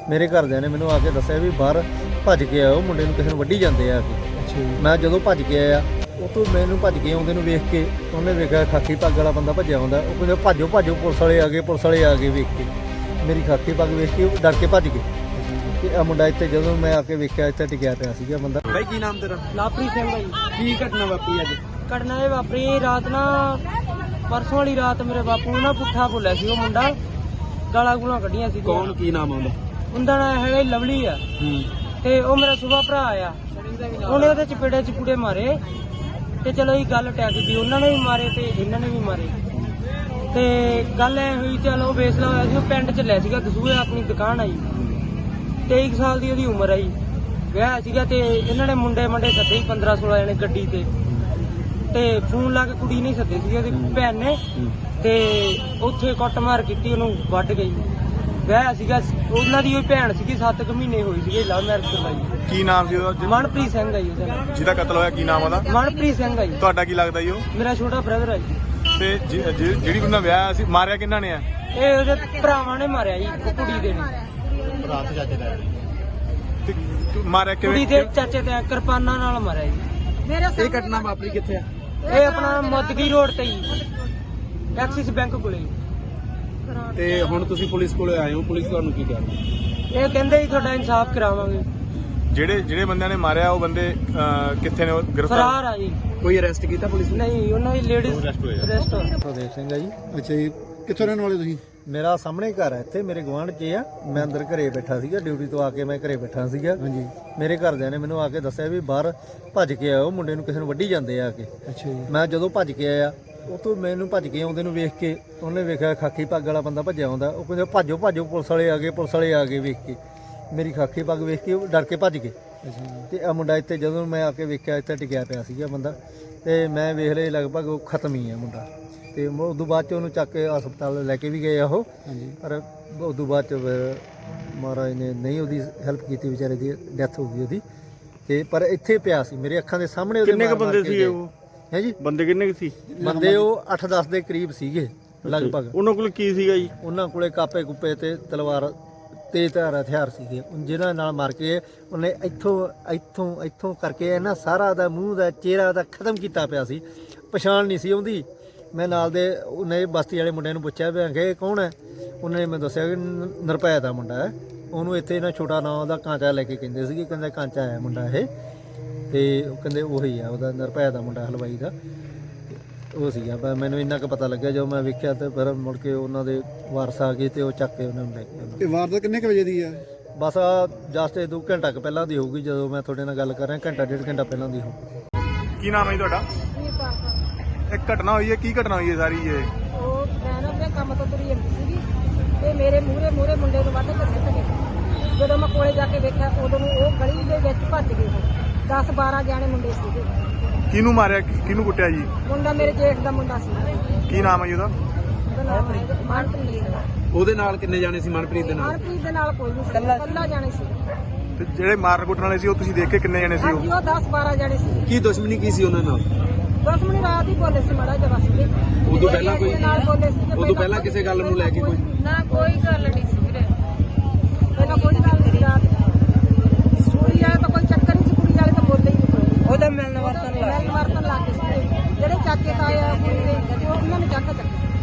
ਮੇਰੇ ਘਰਦਿਆਂ ਨੇ ਮੈਨੂੰ ਆ ਕੇ ਦੱਸਿਆ ਵੀ ਬਾਹਰ ਭੱਜ ਕੇ ਆਓ, ਮੁੰਡੇ ਨੂੰ ਕਿਸੇ ਨੂੰ ਵੱਢੀ ਜਾਂਦੇ ਆ ਕੇ। ਮੈਂ ਜਦੋਂ ਭੱਜ ਕੇ ਆਇਆ ਉਹ ਤੋਂ ਮੈਨੂੰ ਭੱਜ ਕੇ ਆਉਂਦੇ ਨੂੰ ਵੇਖ ਕੇ ਉਹਨੇ ਵੇਖਿਆ ਖਾਕੀ ਪੱਗ ਵਾਲਾ ਬੰਦਾ ਭੱਜਿਆ ਆਉਂਦਾ। ਉਹ ਕਹਿੰਦਾ ਭਾਜੋ ਭਾਜੋ, ਪੁਲਿਸ ਵਾਲੇ ਆ ਗਏ, ਪੁਲਿਸ ਵਾਲੇ ਆ ਗਏ। ਵੇਖ ਕੇ ਮੇਰੀ ਖਾਕੀ ਪੱਗ ਵੇਖ ਕੇ ਉਹ ਡਰ ਕੇ ਭੱਜ ਗਏ ਤੇ ਆ ਮੁੰਡਾ ਇੱਥੇ ਜਦੋਂ ਮੈਂ ਆ ਕੇ ਵੇਖਿਆ ਇੱਥੇ ਟਿਕਿਆ ਪਿਆ ਸੀਗਾ ਬੰਦਾ। ਬਾਈ ਕੀ ਨਾਮ ਤੇਰਾ? ਲਾਪਰੀ ਸਿੰਘ ਭਾਈ। ਕੀ ਘਟਨਾ ਵਾਪਰੀ ਅੱਜ? ਘਟਨਾ ਇਹ ਵਾਪਰੀ ਰਾਤ ਨਾ, ਪਰਸੋਂ ਵਾਲੀ ਰਾਤ ਮੇਰੇ ਬਾਪੂ ਨੂੰ ਨਾ ਪੁੱਠਾ ਬੋਲਿਆ ਸੀ ਉਹ ਮੁੰਡਾ, ਗਾਲਾਂ ਗੂਲਾਂ ਕੱਢੀਆਂ ਸੀ। ਕੌਣ, ਕੀ ਨਾਮ ਆਉਂਦਾ? ਉਹਦਾ ਨਾਂ ਹੈਗਾ ਲਵਲੀ ਆ ਤੇ ਉਹ ਮੇਰਾ ਸੁਭਾ ਭਰਾ ਆ। ਉਹਨੇ ਉਹਦੇ ਚਪੇੜੇ ਚਪੂੜੇ ਮਾਰੇ ਤੇ ਚਲੋ ਇਹ ਗੱਲ ਟੈਕ ਗਈ, ਉਹਨਾਂ ਨੇ ਵੀ ਮਾਰੇ ਤੇ ਇਹਨਾਂ ਨੇ ਵੀ ਮਾਰੇ ਤੇ ਗੱਲ ਐ ਹੋਈ। ਚਲੋ ਫੈਸਲਾ ਹੋਇਆ ਸੀ, ਉਹ ਪਿੰਡ ਚ ਲੈ ਸੀਗਾ ਦਸੂਹੇ, ਆਪਣੀ ਦੁਕਾਨ ਆਈ, 23 ਸਾਲ ਦੀ ਉਹਦੀ ਉਮਰ ਆਈ, ਵਿਆਹ ਸੀਗਾ ਤੇ ਇਹਨਾਂ ਨੇ ਮੁੰਡੇ ਸੱਦੇ 15-16 ਜਣੇ ਗੱਡੀ ਤੇ ਫੋਨ ਲਾ ਕੇ ਕੁੜੀ ਨਹੀਂ ਸੱਦੇ ਸੀਗੇ ਉਹਦੀ ਭੈਣ ਨੇ ਤੇ ਉੱਥੇ ਕੁੱਟਮਾਰ ਕੀਤੀ, ਉਹਨੂੰ ਵੱਢ ਗਈ। ਵਿਆਹ ਸੀਗਾ ਉਹਨਾਂ ਦੀ, ਉਹ ਭੈਣ ਸੀਗੀ, 7 ਮਹੀਨੇ ਹੋਈ ਸੀਗੇ, ਲਵ ਮੈਰਿਜ ਕਰਵਾਈ। ਕੀ ਨਾਮ ਸੀ ਉਹਦਾ? ਮਨਪ੍ਰੀਤ ਸਿੰਘ ਆ ਜੀ ਉਹਦਾ ਨਾਮ। ਜਿਹਦਾ ਕਤਲ ਹੋਇਆ ਕੀ ਨਾਮ ਉਹਦਾ? ਮਨਪ੍ਰੀਤ ਸਿੰਘ ਆ ਜੀ। ਤੁਹਾਡਾ ਕੀ ਲੱਗਦਾ ਜੀ ਉਹ? ਮੇਰਾ ਛੋਟਾ ਬ੍ਰਦਰ ਆ ਜੀ। ਤੇ ਜਿਹੜੀ ਉਹਨਾਂ ਵਿਆਹ ਸੀ, ਮਾਰਿਆ ਕਿਹਨਾਂ ਨੇ ਆ? ਇਹ ਉਹਦੇ ਭਰਾਵਾਂ ਨੇ ਮਾਰਿਆ ਜੀ, ਉਹ ਕੁੜੀ ਦੇ ਨੇ। ਰਾਤ ਚਾਚੇ ਦਾ ਮਾਰਿਆ ਕੁੜੀ ਕਿਵੇਂ? ਦੇ ਚਾਚੇ ਤੇ ਕਿਰਪਾਨਾਂ ਨਾਲ ਮਾਰਿਆ ਜੀ। ਇਹ ਘਟਨਾ ਵਾਪਰੀ ਕਿੱਥੇ ਆ? ਇਹ ਆਪਣਾ ਮੋਦਗੀ ਰੋਡ ਤੇ ਜੀ, ਐਕਸਿਸ ਬੈਂਕ ਕੋਲੇ। ਤੇ ਹੁਣ ਤੁਸੀਂ ਪੁਲਿਸ ਕੋਲੇ ਆਏ ਹੋ, ਪੁਲਿਸ ਤੁਹਾਨੂੰ ਕੀ ਕਹਿ ਰਹੀ? ਇਹ ਕਹਿੰਦੇ ਜੀ ਤੁਹਾਡਾ ਇਨਸਾਫ ਕਰਾਵਾਂਗੇ। ਜਿਹੜੇ ਬੰਦਿਆਂ ਨੇ ਮਾਰਿਆ ਉਹ ਬੰਦੇ ਕਿੱਥੇ ਨੇ? ਉਹ ਗ੍ਰਿਫਤਾਰ ਫਰਾਰ ਆ ਜੀ। ਕੋਈ ਅਰੈਸਟ ਕੀਤਾ ਪੁਲਿਸ ਨੇ? ਨਹੀਂ, ਉਹਨਾਂ ਦੀ ਲੇਡੀਜ਼ ਅਰੈਸਟ ਹੋਈ। ਸੁਖਦੇਵ ਸਿੰਘ ਆ ਜੀ। ਅੱਛਾ ਜੀ, ਕਿੱਥੋਂ ਰਹਿਣ ਵਾਲੇ ਤੁਸੀਂ? ਮੇਰਾ ਸਾਹਮਣੇ ਘਰ ਹੈ, ਇੱਥੇ ਮੇਰੇ ਗੁਆਂਢ 'ਚ ਆ। ਮੈਂ ਅੰਦਰ ਘਰੇ ਬੈਠਾ ਸੀਗਾ, ਡਿਊਟੀ ਤੋਂ ਆ ਕੇ ਮੈਂ ਘਰੇ ਬੈਠਾ ਸੀਗਾ। ਹਾਂਜੀ। ਮੇਰੇ ਘਰਦਿਆਂ ਨੇ ਮੈਨੂੰ ਆ ਕੇ ਦੱਸਿਆ ਵੀ ਬਾਹਰ ਭੱਜ ਕੇ ਆਓ, ਮੁੰਡੇ ਨੂੰ ਕਿਸੇ ਨੂੰ ਵੱਢੀ ਜਾਂਦੇ ਆ ਕੇ। ਅੱਛਾ ਜੀ। ਮੈਂ ਜਦੋਂ ਭੱਜ ਕੇ ਆਇਆ ਉਹ ਤੋਂ ਮੈਨੂੰ ਭੱਜ ਕੇ ਆਉਂਦੇ ਨੂੰ ਵੇਖ ਕੇ ਉਹਨੇ ਵੇਖਿਆ ਖਾਕੀ ਪੱਗ ਵਾਲਾ ਬੰਦਾ ਭੱਜਿਆ ਆਉਂਦਾ। ਉਹ ਕਹਿੰਦਾ ਭਾਜੋ ਭਾਜੋ, ਪੁਲਿਸ ਵਾਲੇ ਆ ਗਏ, ਪੁਲਿਸ ਵਾਲੇ ਆ ਗਏ। ਵੇਖ ਕੇ ਮੇਰੀ ਖਾਕੀ ਪੱਗ ਵੇਖ ਕੇ ਉਹ ਡਰ ਕੇ ਭੱਜ ਗਏ ਤੇ ਆ ਮੁੰਡਾ ਇੱਥੇ ਜਦੋਂ ਮੈਂ ਆ ਕੇ ਵੇਖਿਆ ਇੱਥੇ ਟਿਕਿਆ ਪਿਆ ਸੀਗਾ ਬੰਦਾ ਤੇ ਮੈਂ ਵੇਖ ਲਿਆ ਲਗਭਗ ਉਹ ਖਤਮ ਹੀ ਆ ਮੁੰਡਾ। ਤੇ ਉਸ ਤੋਂ ਬਾਅਦ 'ਚ ਉਹਨੂੰ ਚੱਕ ਕੇ ਹਸਪਤਾਲ ਲੈ ਕੇ ਵੀ ਗਏ ਆ ਉਹ। ਹਾਂਜੀ। ਪਰ ਉਸ ਤੋਂ ਬਾਅਦ 'ਚ ਫਿਰ ਮਹਾਰਾਜ ਨੇ ਨਹੀਂ ਉਹਦੀ ਹੈਲਪ ਕੀਤੀ, ਵਿਚਾਰੇ ਦੀ ਡੈਥ ਹੋ ਗਈ ਉਹਦੀ। ਤੇ ਪਰ ਇੱਥੇ ਪਿਆ ਸੀ ਮੇਰੇ ਅੱਖਾਂ ਦੇ ਸਾਹਮਣੇ। ਉਹਦੇ ਕਿੰਨੇ ਕ ਬੰਦੇ ਸੀ ਉਹ? ਹੈ ਜੀ, ਬੰਦੇ ਕਿੰਨੇ ਕੁ ਸੀ? ਬੰਦੇ ਉਹ 8-10 ਦੇ ਕਰੀਬ ਸੀਗੇ ਲਗਭਗ। ਉਹਨਾਂ ਕੋਲ ਕੀ ਸੀਗਾ ਜੀ? ਉਹਨਾਂ ਕੋਲੇ ਕਾਪੇ ਕੁੱਪੇ ਤੇ ਤਲਵਾਰ, ਤੇਜ਼ਧਾਰ ਹਥਿਆਰ ਸੀਗੇ ਜਿਹਨਾਂ ਨਾਲ ਮਾਰ ਕੇ ਉਹਨੇ ਇੱਥੋਂ ਕਰਕੇ ਇਹਨਾਂ ਸਾਰਾ ਦਾ ਮੂੰਹ ਦਾ ਚਿਹਰਾ ਦਾ ਖਤਮ ਕੀਤਾ ਪਿਆ ਸੀ। ਪਛਾਣ ਨਹੀਂ ਸੀ ਆਉਂਦੀ। ਮੈਂ ਨਾਲ ਦੇ ਉਹਨੇ ਬਸਤੀ ਵਾਲੇ ਮੁੰਡਿਆਂ ਨੂੰ ਪੁੱਛਿਆ ਵੀ ਆਖੇ ਇਹ ਕੌਣ ਹੈ? ਉਹਨਾਂ ਨੇ ਮੈਨੂੰ ਦੱਸਿਆ ਕਿ ਨਿਰਭੈ ਦਾ ਮੁੰਡਾ ਹੈ। ਉਹਨੂੰ ਇੱਥੇ ਨਾ ਛੋਟਾ ਨਾਂ ਉਹਦਾ ਕਾਂਚਾ ਲੈ ਕੇ ਕਹਿੰਦੇ ਸੀਗੇ, ਕਹਿੰਦਾ ਕਾਂਚਾ ਹੈ ਮੁੰਡਾ ਇਹ। ਤੇ ਉਹ ਕਹਿੰਦੇ ਉਹੀ ਆ, ਉਹਦਾ ਨਿਰਭੈ ਦਾ ਮੁੰਡਾ ਹਲਵਾਈ ਦਾ ਉਹ ਸੀਗਾ। ਪਰ ਮੈਨੂੰ ਇੰਨਾ ਕੁ ਪਤਾ ਲੱਗਿਆ ਜਦੋਂ ਮੈਂ ਵੇਖਿਆ ਤੇ ਫਿਰ ਮੁੜ ਕੇ ਉਹਨਾਂ ਦੇ ਵਾਰਸ ਆ ਗਏ ਤੇ ਉਹ ਚੱਕ ਕੇ ਉਹਨਾਂ ਨੂੰ ਲੈ ਗਏ। ਇਹ ਵਾਰਦਾਤ ਕਿੰਨੇ ਕ ਵਜੇ ਦੀ ਆ? ਬਸ ਆ ਜਸਟ 2 ਘੰਟਾ ਕੁ ਪਹਿਲਾਂ ਦੀ ਹੋਊਗੀ, ਜਦੋਂ ਮੈਂ ਤੁਹਾਡੇ ਨਾਲ ਗੱਲ ਕਰ ਰਿਹਾ, ਘੰਟਾ 1.5 ਘੰਟਾ ਪਹਿਲਾਂ ਦੀ ਹੋਊਗੀ। ਕੀ ਨਾਮ ਹੈ ਜੀ ਤੁਹਾਡਾ? ਇੱਕ ਘਟਨਾ ਹੋਈ ਹੈ, ਕੀ ਘਟਨਾ ਹੋਈ ਹੈ ਸਾਰੀ ਇਹ? ਉਹ ਮੈਂ ਨਾ ਆਪਣੇ ਕੰਮ ਤੋਂ ਤੁਰੀ ਜਾਂਦੀ ਸੀਗੀ ਤੇ ਮੇਰੇ ਮੂਹਰੇ ਮੁੰਡੇ ਨੂੰ ਵੱਢ ਕੇ ਸਿੱਟ ਗਏ। ਜਦੋਂ ਮੈਂ ਕੋਲੇ ਜਾ ਕੇ ਵੇਖਿਆ ਉਦੋਂ ਨੂੰ ਉਹ ਗਲੀ ਦੇ ਵਿੱਚ ਭੱਜ ਗਏ। 10-12 ਜਾਣੇ ਮੁੰਡੇ ਸੀਗੇ। ਕਿਹਨੂੰ ਮਾਰਿਆ, ਕਿਹਨੂੰ ਕੁੱਟਿਆ ਜੀ? ਮੁੰਡਾ ਮੇਰੇ ਜੇਠ ਦਾ ਮੁੰਡਾ ਸੀ। ਕੀ ਨਾਮ ਹੈ ਜੀ ਉਹਦਾ? ਉਹਦਾ ਨਾਮ ਹੈ ਮਨਪ੍ਰੀਤ। ਉਹਦੇ ਨਾਲ ਕਿੰਨੇ ਜਾਣੇ ਸੀ ਮਨਪ੍ਰੀਤ ਦੇ ਨਾਲ? ਮਨਪ੍ਰੀਤ ਦੇ ਨਾਲ ਕੋਈ ਨਹੀਂ ਸੀ, ਇਕੱਲਾ ਜਾਣੇ ਸੀ। ਤੇ ਜਿਹੜੇ ਮਾਰਨ ਕੁੱਟਣ ਵਾਲੇ ਸੀ ਉਹ ਤੁਸੀਂ ਦੇਖੇ ਕਿੰਨੇ ਜਾਣੇ ਸੀ? ਹਾਂਜੀ, ਉਹ 10-12 ਜਾਣੇ ਸੀ। ਕੀ ਦੁਸ਼ਮਣੀ ਕੀ ਸੀ ਉਹਨਾਂ ਨਾਲ? ਦੁਸ਼ਮਣੀ ਰਾਤ ਹੀ ਬੋਲੇ ਸੀ ਮਾੜਾ ਜਿਹਾ ਬਸ। ਉਦੋਂ ਪਹਿਲਾਂ ਕੋਈ ਨਾਲ ਬੋਲੇ ਸੀ। ਉਦੋਂ ਪਹਿਲਾਂ ਕਿਸੇ ਗੱਲ ਨੂੰ ਲੈ ਕੇ ਕੋਈ? ਨਾ, ਕੋਈ ਗੱਲ ਨਹੀਂ ਸੀ ਵੀਰੇ, ਪਹਿਲਾਂ ਕੋਈ ਗੱਲ ਨਹੀਂ ਸੀ। ਰਾਤ ਕੁੜੀ ਵਾਲੇ ਤਾਂ ਕੋਈ ਚੱਕਰ ਨਹੀਂ ਸੀ, ਕੁੜੀ ਵਾਲੇ ਤਾਂ ਬੋਲੇ ਹੀ ਨਹੀਂ। ਉਹਦਾ ਮਿਲਣ ਵਰਤਨ ਲੱਗ ਗਏ ਸੀ। ਜਿਹੜੇ ਚਾਚੇ ਤਾਏ ਆ ਕੁੜੀ ਦੇ, ਉਹਨਾਂ ਨੇ ਚੱਕ